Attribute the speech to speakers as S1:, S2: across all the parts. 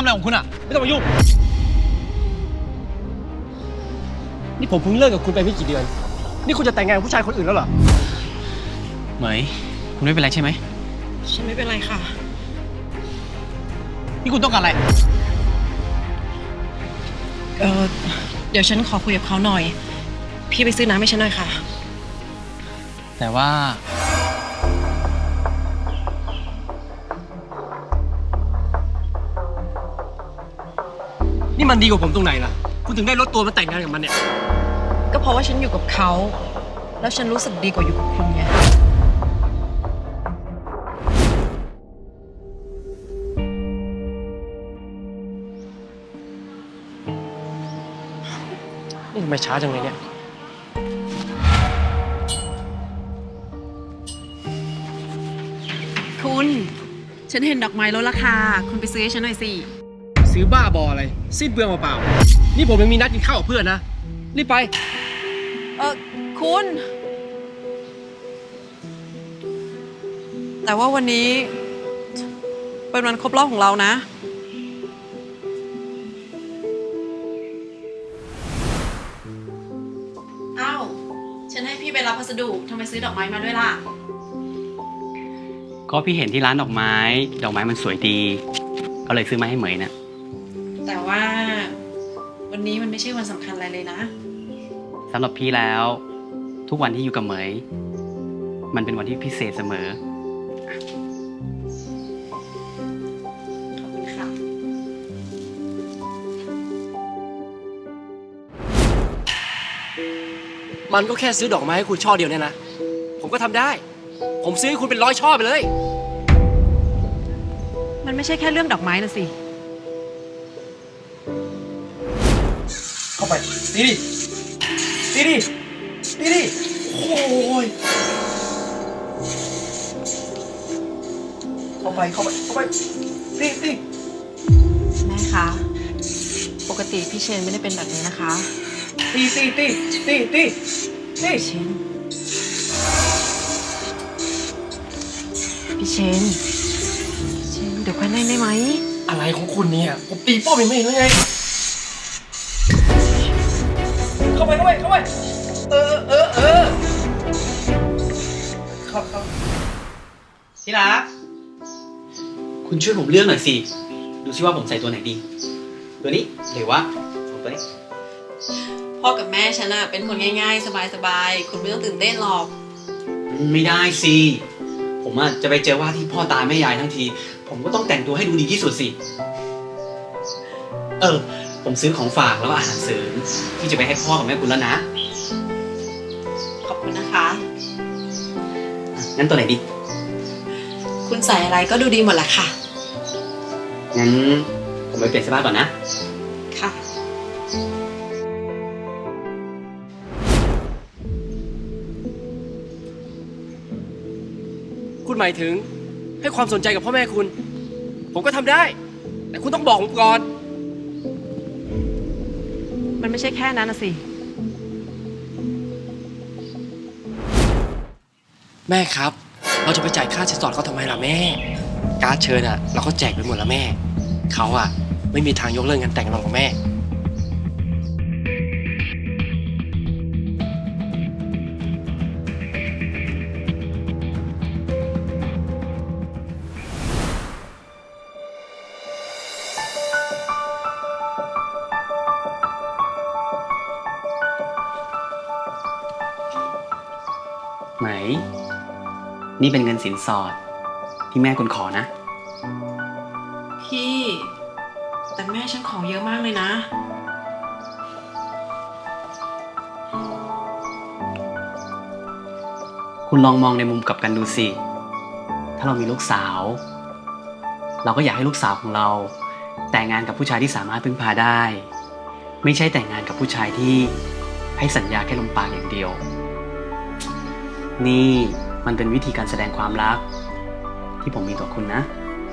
S1: อะไรของคุณอ่ะไม่ต้องมายุ่งนี่ผมเพิ่งเลิกกับคุณไปไม่กี่เดือนนี่คุณจะแต่งงานกับผู้ชายคนอื่นแล้วเหรอเหมยคุณไม่เป็นไรใช่ไหม
S2: ฉันไม่เป็นไรค่ะ
S1: นี่คุณต้องการอะไร
S2: เดี๋ยวฉันขอคุยกับเขาหน่อยพี่ไปซื้อน้ำให้ฉันหน่อยค่ะ
S1: แต่ว่านี่มันดีกว่าผมตรงไหนล่ะคุณถึงได้ลดตัวมาแต่งงานกับมันเนี่ย
S2: ก็เพราะว่าฉันอยู่กับเขาแล้วฉันรู้สึกดีกว่าอยู่กับคุณไง
S1: นี่ทำไมช้าจังเลยเนี่ย
S2: คุณฉันเห็นดอกไม้ลดราคาคุณไปซื้อให้ฉันหน่อยสิ
S1: ซื้อบ้าบออะไรสิ้นเปลืองเปล่าๆนี่ผมยังมีนัดกินข้าวกับเพื่อนนะรีบไป
S2: คุณแต่ว่าวันนี้เป็นวันครบรอบของเรานะอ้าวฉันให้พี่ไปรับพัสดุทำไมซื้อดอกไม้มาด้วยล่ะ
S3: ก็พี่เห็นที่ร้านดอกไม้มันสวยดีก็เลยซื้อมาให้เหมยนะ
S2: แต่ว่าวันนี้มันไม่ใช่วันสำคัญอะไรเลยนะ
S3: สำหรับพี่แล้วทุกวันที่อยู่กับเหมยมันเป็นวันที่พิเศษเสมอ
S2: ขอบคุณค่ะ
S1: มันก็แค่ซื้อดอกไม้ให้คุณช่อเดียวเนี่ยนะผมก็ทำได้ผมซื้อให้คุณเป็น100 ช่อไปเลย
S2: มันไม่ใช่แค่เรื่องดอกไม้นะสิ
S1: เข้าไปตีดิโอ้ยเข้าไปตี
S2: แม่คะปกติพี่เชนไม่ได้เป็นแบบนี้นะคะ
S1: ตี
S2: เชนพี่เชนเดี๋ยวค่อยเล่นได้ไหม
S1: อะไรของคุณเนี่ยผมตีป้อมยังไม่เห็นเลยไงเข้าไปเข้า
S3: ที่รักคุณช่วยผมเลือกหน่อยสิดูซิว่าผมใส่ตัวไหนดีตัวนี้หรือว่าตัวนี้
S2: พ่อกับแม่ฉันอะเป็นคนง่ายๆสบายๆคุณไม่ต้องตื่นเต้นหรอก
S3: ไม่ได้สิผมจะไปเจอว่าที่พ่อตาแม่ยายทั้งทีผมก็ต้องแต่งตัวให้ดูดีที่สุดสิผมซื้อของฝากแล้วก็อาหารเสริมที่จะไปให้พ่อกับแม่คุณแล้วนะ
S2: ขอบคุณนะคะ
S3: งั้นตัวไหนดี
S2: คุณใส่อะไรก็ดูดีหมดแหละค่ะ
S3: งั้นผมไปเปลี่ยนเสื้อผ้าก่อนนะ
S2: ค่ะ
S1: คุณหมายถึงให้ความสนใจกับพ่อแม่คุณผมก็ทำได้แต่คุณต้องบอกผมก่อน
S2: มันไม่ใช่แค่นั้นนะสิ
S1: แม่ครับเราจะไปจ่ายค่าสินสอดเขาทำไมล่ะแม่การ์ดเชิญเราก็แจกไปหมดแล้วแม่เขาไม่มีทางยกเลิกงานแต่งเราของแม่
S3: ไหมนี่เป็นเงินสินสอดที่แม่คุณขอนะ
S2: พี่แต่แม่ฉันขอเยอะมากเลยนะ
S3: คุณลองมองในมุมกลับกันดูสิถ้าเรามีลูกสาวเราก็อยากให้ลูกสาวของเราแต่งงานกับผู้ชายที่สามารถพึ่งพาได้ไม่ใช่แต่งงานกับผู้ชายที่ให้สัญญาแค่ลมปากอย่างเดียวนี่มันเป็นวิธีการแสดงความรักที่ผมมีต่อคุณนะ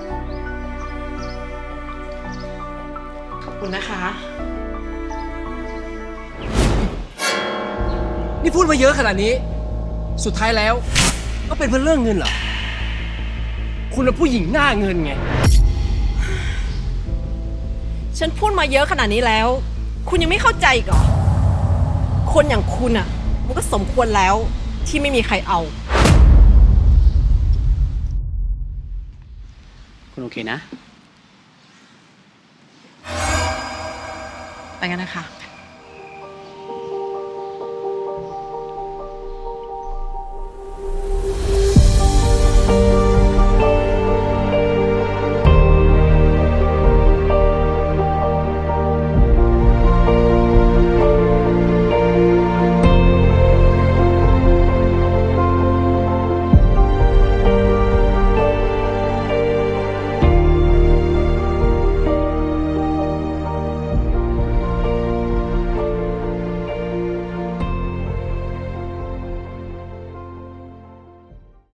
S2: ขอบคุณนะคะ
S1: นี่พูดมาเยอะขนาดนี้สุดท้ายแล้วก็เป็นเพื่อเรื่องเงินเหรอคุณเป็นผู้หญิงหน้าเงินไง
S2: ฉันพูดมาเยอะขนาดนี้แล้ว คุณยังไม่เข้าใจอีกเหรอ คนอย่างคุณอ่ะ มันก็สมควรแล้วที่ไม่มีใครเอา
S3: คุณโอเคนะ
S2: ไปกันนะคะ